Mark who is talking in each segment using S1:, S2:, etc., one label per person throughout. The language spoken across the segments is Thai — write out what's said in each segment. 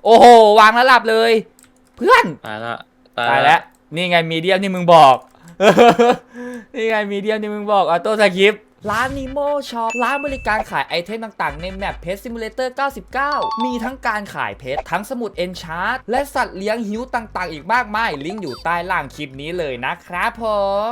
S1: โอ้โหวางแล้วหลับเลยเพื่อน
S2: ตายละ
S1: ตายแล้วนี่ไงมีเดียมที่มึงบอกนี่ไงมีเดียมที่มึงบอกออโต้สคริปต์ร้านนิโมช็อปร้านบริการขายไอเทมต่างๆในแมปเพจซิมูเลเตอร์99มีทั้งการขายเพชรทั้งสมุดเอนชาร์ตและสัตว์เลี้ยงหิวต่างๆอีกมากมายลิงก์อยู่ใต้ล่างคลิปนี้เลยนะครับผม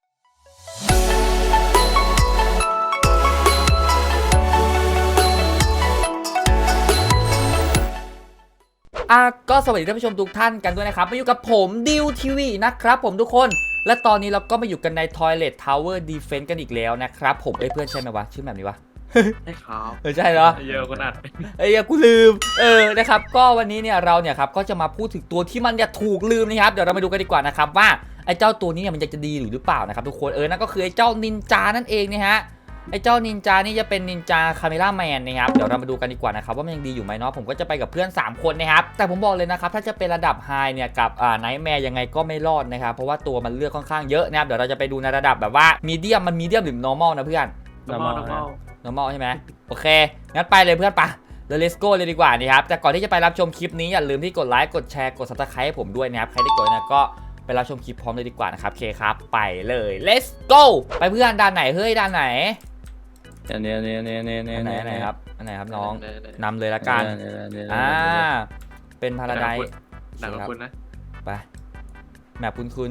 S1: ก็สวัสดีท่านผู้ชมทุกท่านกันด้วยนะครับมาอยู่กับผมดิวทีวีนะครับผมทุกคนและตอนนี้เราก็มาอยู่กันใน Toilet Tower Defense กันอีกแล้วนะครับผมเพื่อนใช่ไหมวะชื่อแบบนี้วะ
S2: ใช่ครับ
S1: ใช่เหรอ
S2: เยอะขนาด
S1: กูลืมนะครับก็วันนี้เนี่ยเราเนี่ยครับก็จะมาพูดถึงตัวที่มันเนี่ยถูกลืมนะครับเดี๋ยวเรามาดูกันดีกว่านะครับว่าไอ้เจ้าตัวนี้เนี่ยมันจะดีหรือเปล่านะครับทุกคนนั่นก็คือไอ้เจ้านินจานั่นเองนะฮะไอ้เจ้านินจานี่จะเป็นนินจาคาเมล่าแมนนะครับเดี๋ยวเรามาดูกันดีกว่านะครับว่ามันยังดีอยู่ไหมเนาะผมก็จะไปกับเพื่อน3คนนะครับแต่ผมบอกเลยนะครับถ้าจะเป็นระดับไฮเนี่ยกับไนท์แมร์ยังไงก็ไม่รอดนะครับเพราะว่าตัวมันเลือกค่อนข้างเยอะนะครับเดี๋ยวเราจะไปดูในระดับแบบว่ามีเดียมมันมีเดียมหรือ normal นะเพื่อน normal ใช่ไหมโอเคงั้นไปเลยเพื่อนปะแล้ว let's go เลยดีกว่านี่ครับแต่ก่อนที่จะไปรับชมคลิปนี้อย่าลืมที่กดไลค์กดแชร์กด subscribe ให้ผมด้วยนะครับใครที่กดนะก็ไปรับชมคลิปพร้อมเลยดีกว่านะครับโอเคครับไปเลย let's go ไปเพื่อนด้านไหนเฮ้ยด้านไหน
S2: อันนี้
S1: ไหนครับอันไหนครับน้องนำเลยละกันเป็นพาราไดซ์
S2: หนังคุณนะ
S1: ไปแมปคุ้น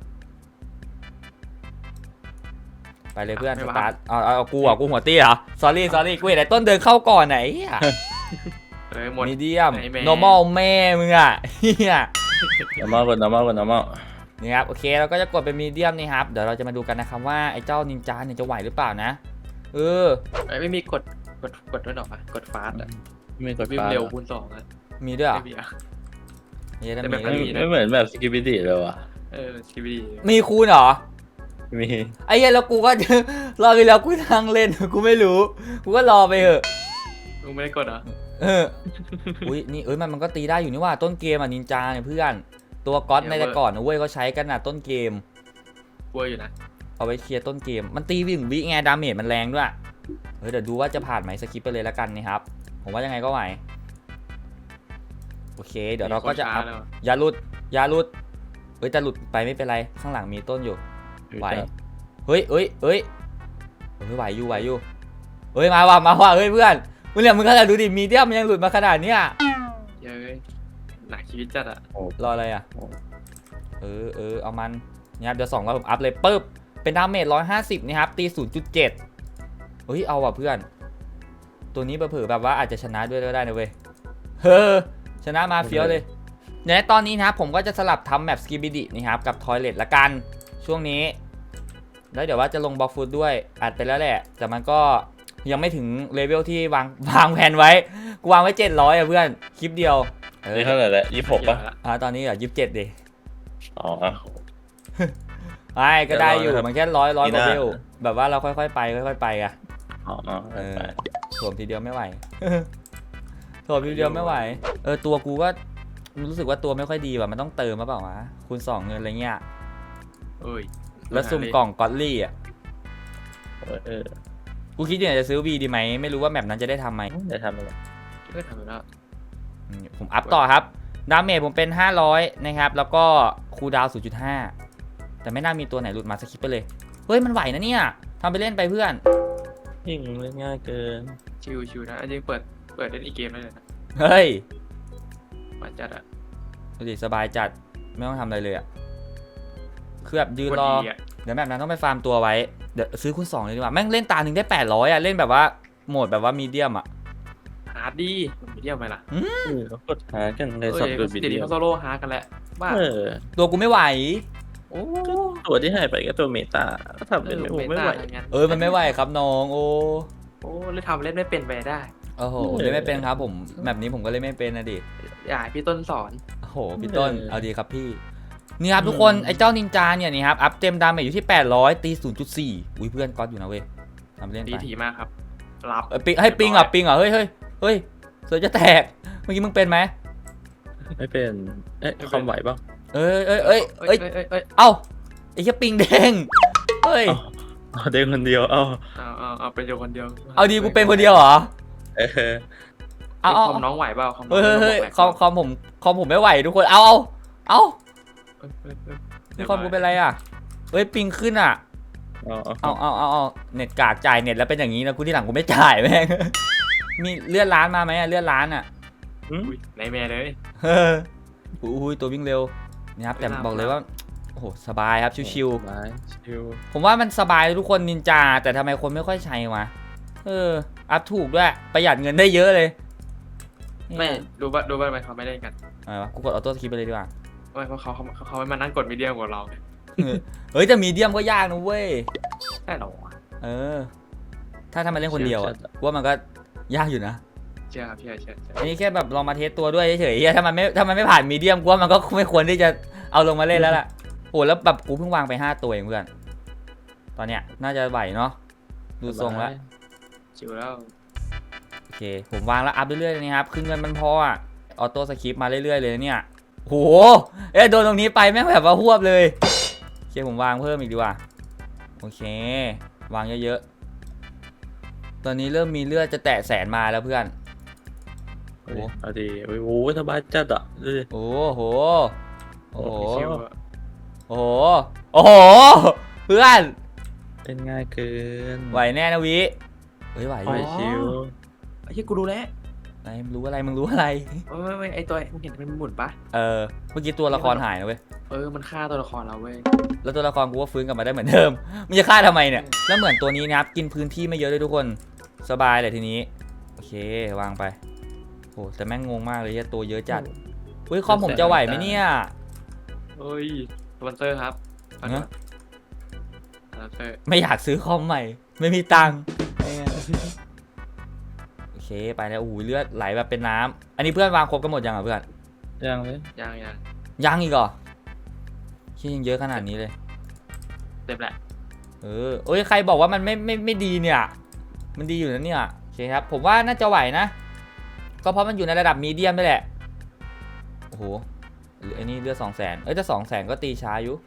S1: ไปเลยเพื่อนสตาร์ทเอากูหัวตี้เหรอ sorry กูเห็นไอ้ต้นเดินเข้าก่อนไหนมีเดียม normal แม่มึงอ่ะเฮีย
S2: normal
S1: นี่ครับโอเคเราก็จะกดเป็นมีเดียมนี่ครับเดี๋ยวเราจะมาดูกันนะครับว่าไอ้เจ้านินจาเนี่ยจะไหวหรือเปล่านะ
S2: ไม่มีกดด้วยหรอกกดฟาสต์อ่ะไม่กดฟาสต์เร็วคูณ2อ่ะ
S1: มีด้วยเหรอ
S2: ไม่เหมือนแบบสกิปปี้เลยว่ะสกิปปี้
S1: มีคูณเหรอ
S2: มี
S1: ไอ้เหี้ยแล้วกูก็รอไปแล้วกูนั่งเล่นกูไม่รู้กูก็รอไปเถอะ
S2: มึงไม่ได้กดเหรอ
S1: อุ้ยนี่มันก็ตีได้อยู่นี่ว่าต้นเกมนินจาเนี่ยเพื่อนตัวก๊อตในแต่ก่อนนะเว้ยเขาใช้กันนะต้นเกม
S2: กลัวอยู่นะ
S1: เอาไว้เคลียร์ต้นเกมมันตีวิ่งวิไงดาเมจมันแรงด้วยเดี๋ยวดูว่าจะผ่านไหมสกิปไปเลยแล้วกันนี่ครับผมว่ายังไงก็ไหวโอเคเดี๋ยวเราก็จะอัพอย่าหลุดแต่หลุดไปไม่เป็นไรข้างหลังมีต้นอยู่ไหวเฮ้ยไหวอยู่มาว่ะเฮ้ยเพื่อนมึงเนี่ยมึงขนาดดูดิมีเดียมมันยังหลุดมาขนาดเนี้ย
S2: เย้ยหนักชีวิตจัดอะ
S1: รออะไรอะเอามันนี่ครับเดี๋ยว200ผมอัพเลยปึ๊บเป็นดาเมจ150นี่ครับตี 0.7 เอาว่ะเพื่อนตัวนี้เผลอแบบว่าอาจจะชนะด้วยก็ได้นะเว้ยชนะมาเฟี้ยวเลยในตอนนี้นะครับผมก็จะสลับทำแมปสกิบิดินี่ครับกับทอยเลทละกันช่วงนี้แล้วเดี๋ยวว่าจะลงบล็อกฟุตด้วยอัดไปแล้วแหละแต่มันก็ยังไม่ถึงเลเวลที่วางแผนไว้กูวางไว้700อ่ะเพื่อนคลิปเดียว
S2: นี่เท่าไหร่แล้ว26ป่ะ
S1: ตอนนี้27ดิ
S2: ไม่
S1: ก็ได้อยู่มันแค่ร้อยเลเวลแบบว่าเราค่อยๆไปอะสวมทีเดียวไม่ไหวตัวกูก็รู้สึกว่าตัวไม่ค่อยดีว่ะมันต้องเติมมาเปล่าวะคูณ2เงินอะไรเงี้ยแล้วซุ่มกล่องกอตลี่อ่ะกูคิดอยู่จะซื้อวีดีไหมไม่รู้ว่าแมปนั้นจะได้ทำไหม
S2: ได้ทำแล้ว
S1: ผมอัพต่อครับดาเมจผมเป็น500นะครับแล้วก็คูลดาวน์ 0.5 แต่ไม่น่ามีตัวไหนหลุดมาสคิปไปเลยเฮ้ยมันไหวนะเนี่ยทำไปเล่นไปเพื่อน
S2: ยิ่งเล่นง่ายเกินชิวนะจริงเปิดเล่นอีกเกมได้เลยนะ
S1: เฮ้ย
S2: มาจัดอะ
S1: ดูดิสบายจัดไม่ต้องทำอะไรเลยอะคือแบบยืนรอเดี๋ยวแบบนั้นต้องไปฟาร์มตัวไว้เดี๋ยวซื้อคูณ2เลยดีกว่าแม่งเล่นตาหนึ่งได้800อะเล่นแบบว่าโหมดแบบว่ามีเดียมอะ
S2: ฮาร์ดดีมีเดียมไหมล่ะเขากดฮาร์ดกันเลยสดดูวิดีโอเขาโซโล่ฮาร์ดกันแหละบ้า
S1: ตัวกูไม่ไหว
S2: ตัวที่หายไปก็ตัวเมตาก็ทำเป็นไม่ไหว
S1: มันไม่ไหวครับน้องโอ้
S2: เลยทำเล่นไม่เป็นไปได้
S1: โอ้โหเล่นไม่เป็นครับผมแบบนี้ผมก็เล่นไม่เป็นนะดิ
S2: อย่าพี่ต้นสอน
S1: โอ้โหพี่ต้นเอาดีครับพี่นี่ครับทุกคนไอ้เจ้านินจาเนี่ยนี่ครับอัพเต็มดาเมจอยู่ที่800ตี 0.4 อุ้ยเพื่อนก๊อตอยู่นะเว้ยทำเล่นไป
S2: ดีถี่มากครับรับ
S1: ให้ปิงอ่ะเฮ้ยเสือจะแตกเมื่อกี้มึงเป็นไหม
S2: ไม่เป็นความไหวป่ะ
S1: เอ้าไอ้แค่ปิงแดงเฮ้ย
S2: เด้งคนเดียวเอาเป็นคนเดียว
S1: เอาดีกูเป็นคนเดียวเหรอเอา
S2: คอมน้องไหวเปล่าคอมน้อง
S1: เฮ้ย
S2: แหลก
S1: คอมผมไม่ไหวทุกคนเอานี่คอมกูเป็นไรอ่ะเฮ้ยปิงขึ้นอ่ะเอาเน็ตกากจ่ายเน็ตแล้วเป็นอย่างนี้นะกูที่หลังกูไม่จ่ายแม่งมีเลื่อนร้านมาไหมเลื่อนร้านอ่ะ
S2: ในแม่เลย
S1: อุ้ยตัววิ่งเร็วนี่ครับแต่บอกเลยว่าโอ้โหสบายครับชิวๆผมว่ามันสบายเลยทุกคนนินจาแต่ทำไมคนไม่ค่อยใช้วะอัพถูกด้วยประหยัดเงินได้เยอะเลย
S2: ไม่ดูบ้านไหมเขาไม่ได้กัน
S1: อะไรวะกูกดออโต้สคิปไปเลยดีกว่า
S2: ไม่เพราะเขาไม่มานั่งกดมีเดียมกับเรา
S1: เฮ้ยแต่มีเดียมก็ยากนะเว้ย
S2: ใช่หรอ
S1: ถ้ามาเล่นคนเดียวอะว่ามันก็ยากอยู่นะ
S2: เชื่อครับเชื่อ
S1: อันนี้แค่แบบลองมาเทสตัวด้วยเฉยๆถ้ามันไม่ผ่านมีเดียมกูว่ามันก็ไม่ควรที่จะเอาลงมาเล่นแล้วล่ะโอ้แล้วแบบกูเพิ่งวางไป5ตัวเองเพื่อนตอนเนี้ยน่าจะไหวเนาะดูทรงแล้ว
S2: ชิวแล้ว
S1: โอเคผมวางแล้วอัพเรื่อยๆนะครับคือเงินมันพออะออโต้สคริปมาเรื่อยๆเลยเนี่ยโหโดนตรงนี้ไปแม่งแบบว่าหวบเลยโอเคผมวางเพิ่มอีกดีกว่าโอเควางเยอะๆตอนนี้เริ่มมีเลือดจะแตะ100,000มาแล้วเพื่อนโอ้
S3: ดีโอ้สบายจัดอ่ะดูดิ
S1: โอ้โหโอ้โห
S2: ชิว
S1: โอ้โหเพื่อน
S3: เป็นง่ายเกิน
S1: ไหวแน่นะวิเฮ้ยไหว
S3: ไปชิว
S2: ไอ้ที่กูรู้แล้ว
S1: ไหนมึงรู้อะไร
S2: ไม่ไอตัวมึงเห็นมันหมุนปะ
S1: เมื่อกี้ตัวละครหายนะเว้ย
S2: มันฆ่าตัวละครเราเว้ย
S1: แล้วตัวละครกูว่าฟื้นกลับมาได้เหมือนเดิมมันจะฆ่าทำไมเนี่ยแล้วเหมือนตัวนี้นะครับกินพื้นที่ไม่เยอะเลยทุกคนสบายเลยทีนี้โอเควางไปโอ้แต่แม่งงงมากเลยตัวเยอะจัดเฮ้ยคอมผมจะไหวไหมเนี่ย
S2: เฮ้ยสปอนเซอร์ครับสปอนเซอร์
S1: ไม่อยากซื้อคอมใหม่ไม่มีตังค์โอเคไปแล้วโอ้โหเลือดไหลแบบเป็นน้ำอันนี้เพื่อนวางครบกันหมดยังอ่ะเพื่อน
S3: ยังเลย
S2: ยัง
S1: อีกเหรอที่ยังเยอะขนาดนี้เลย
S2: เต็มแหละ
S1: เอ้ยใครบอกว่ามันไม่ดีเนี่ยมันดีอยู่นะเนี่ยโอเคครับผมว่าน่าจะไหวนะก็เพราะมันอยู่ในระดับมีเดียมนี่แหละโอ้โหไอ้นี่เลือด200,000แต่200,000ก็ตีช้าอยู่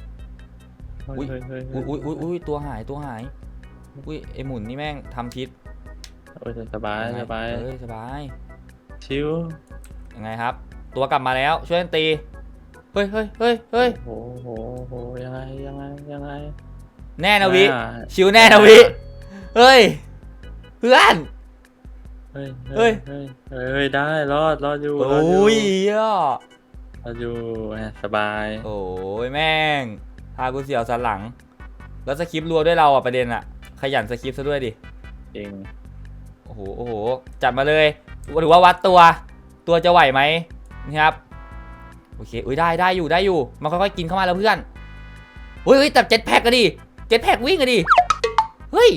S1: อุ้ยตัวหายอุ้ยไอหมุนนี่แม่งทำพิษ
S3: โอ้ยสบายสบาย
S1: สบาย
S3: ชิว
S1: ยังไงครับ ตัวกลับมาแล้วช่วยกันตีเฮ้ย
S3: โอ้โหยังไง
S1: แน่นะวิชิวแน่นะวิเฮ้ยเพื่อน
S3: เฮ้ยได้รอดอยู่
S1: โอ้ย
S3: รอดอยู่สบาย
S1: โอ้ยแม่งพากูเสียวสันหลังแล้วสคริปต์รัวด้วยเราอ่ะประเด็นอ่ะขยันสคริปต์ซะด้วยดิ
S3: จริง
S1: โอ้โหจัดมาเลยหรือว่าวัดตัวจะไหวไหมนะครับโอเคอุ้ยได้อยู่มันค่อยๆกินเข้ามาแล้วเพื่อนเฮ้ยแต่7 แพ็กก็ดิ7 แพ็กวิ่งก็ดิเฮ้ย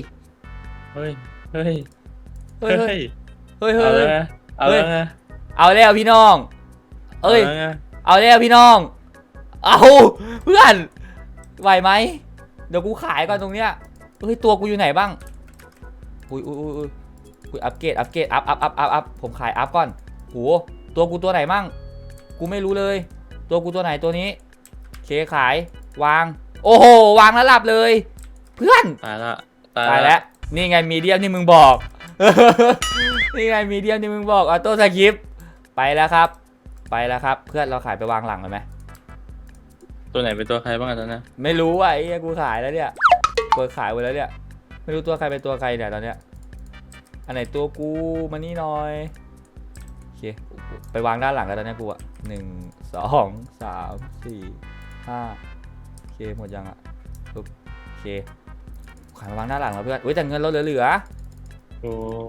S1: เอาแล้วพี่น้องเอาแล้วพี่น้องเอาเพื่อนไหวไหมเดี๋ยวกูขายก่อนตรงเนี้ยเฮ้ยตัวกูอยู่ไหนบ้างอุ้ยอัปเกรดอัพผมขายอัพก่อนโหตัวกูตัวไหนมั่งกูไม่รู้เลยตัวกูตัวไหนตัวนี้เคขายวางโอ้โหวางแล้วหลับเลยเพื่อนตายแล้วนี่ไงมีเดียมที่มึงบอกนี่ไงมีเดียมที่มึงบอกออโต้สคริปต์ไปแล้วครับเพื่อนเราขายไปวางหลังเลยไหม
S3: ตัวไหนเป็นตัวใครบ้างตอนนี้
S1: ไม่รู้อ่ะไอ้กูขายแล้วเนี่ยกูขายไปแล้วเนี่ยไม่รู้ตัวใครเป็นตัวใครเนี่ยตอนเนี้ยอันไหนตัวกูมานี่หน่อยโอเคไปวางด้านหลังแล้วตอนนี้กูอ่ะ1 2 3 4 5โอเคหมดยังอ่ะโอเคขายมาวางด้านหลังแล้วเพื่อนอุ้ยแต่เงินเราเหลือ
S3: โอ้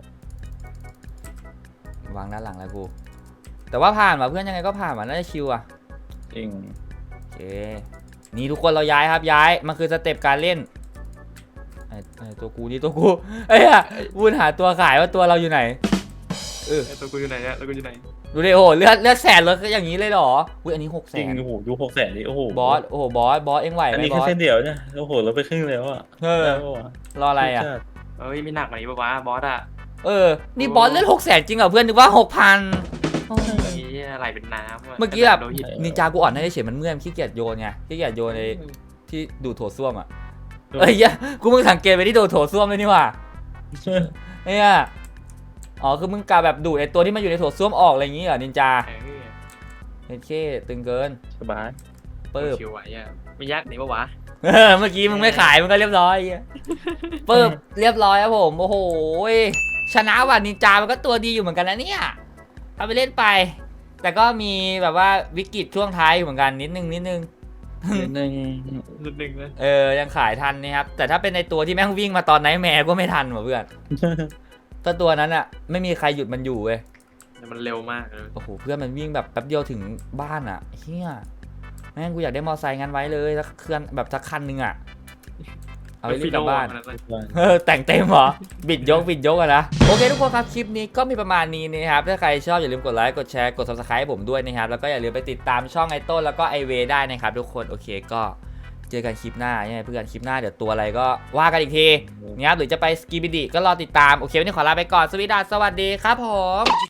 S1: วางด้านหลังแล้วกูแต่ว่าผ่านว่ะเพื่อนยังไงก็ผ่านว่ะน่าจะชิวอ่ะ
S3: จริง
S1: โอเคนี่ทุกคนเราย้ายครับมันคือสเต็ปการเล่นไอ้ตัวกูเอ้ยวุ้นหาตัวขายว่าตัวเราอยู่ไหน
S2: ตัวกูอยู่ไหนเนี่ย
S1: ดูดิโอ้โหเลือด100,000เลยอย่างนี้เลยเหรออุ้ยอันนี้600,000
S3: จริงโอ้โหดู600,000นี่โอ้โห
S1: บอสเอ็งไหวไหม
S3: อันนี้
S1: บ
S3: แค่
S1: อส
S3: เส้นเดียวเนี่ยโอ้โหเราไปครึ่งแล้วอ่ะ
S1: รออะไรอ่ะ
S2: เอ้ยไม่หนักกว่านี้ปะวะบอสอ่ะ
S1: นี่บอสเลือด600,000จริงเหรอเพื่อนนึกว่า 6,000
S2: นี่ไหลเป็นน้ำ
S1: เมื่อกี้แบบนินจากูอ่อนให้เฉยมันเมื่อยขี้เกียจโยนไงขี้เกียจโยนในที่ดูดโถส้วมอ่ะกูมึงสังเกตไปที่ดูดโถส้วมเลยนี่หว่าเนี่ยอ๋อคือมึงกะแบบดูดไอตัวที่มันอยู่ในโถส้วมออกอะไรอย่างงี้เหรอนินจาเฮ้ยเคตึงเกิน
S3: สบาย
S1: ปึ๊บ
S2: ชิวไหวอ่ะไม่ยากไหนปะวะ
S1: เมื่อกี้มึงไม่ขายมึงก็เรียบร้อยปึ๊บเรียบร้อยครับผมโอ้โหชนะว่ะนินจามันก็ตัวดีอยู่เหมือนกันนะเนี่ยเอาไปเล่นไป แต่ก็มีแบบว่าวิกฤตช่วงท้ายอยู่เหมือนกันนิดนึง
S3: นิดนึง
S2: นิดนึงเลย
S1: ยังขายทันนะครับแต่ถ้าเป็นในตัวที่แม่งวิ่งมาตอนไหนแม่ก็ไม่ทันว่ะเพื่อนถ้าตัวนั้นอ่ะไม่มีใครหยุดมันอยู่เว้ย
S2: แต่มันเร็วมากเลย
S1: โอ้โหเพื่อนมันวิ่งแบบแป๊บเดียวถึงบ้านอ่ะเฮียแม่งกูอยากได้มอไซค์งั้นไว้เลยสักเครื่องแบบสักคันนึงอ่ะเอาไปรีบกลับบ้าน แต่งเต็มเหรอ บิดยกอะนะ โอเคทุกคนครับ คลิปนี้ก็มีประมาณนี้นะครับ ถ้าใครชอบอย่าลืมกดไลค์ กดแชร์ กด subscribe ให้ผมด้วยนะครับ แล้วก็อย่าลืมไปติดตามช่องไอต้นแล้วก็ไอเวได้นะครับทุกคน โอเคก็เจอกันคลิปหน้าใช่ไหมเพื่อน คลิปหน้าเดี๋ยวตัวอะไรก็ว่ากันอีกทีนะครับหรือจะไปสกีบิดีก็รอติดตาม โอเควันนี้ขอลาไปก่อน สวัสดีครับผม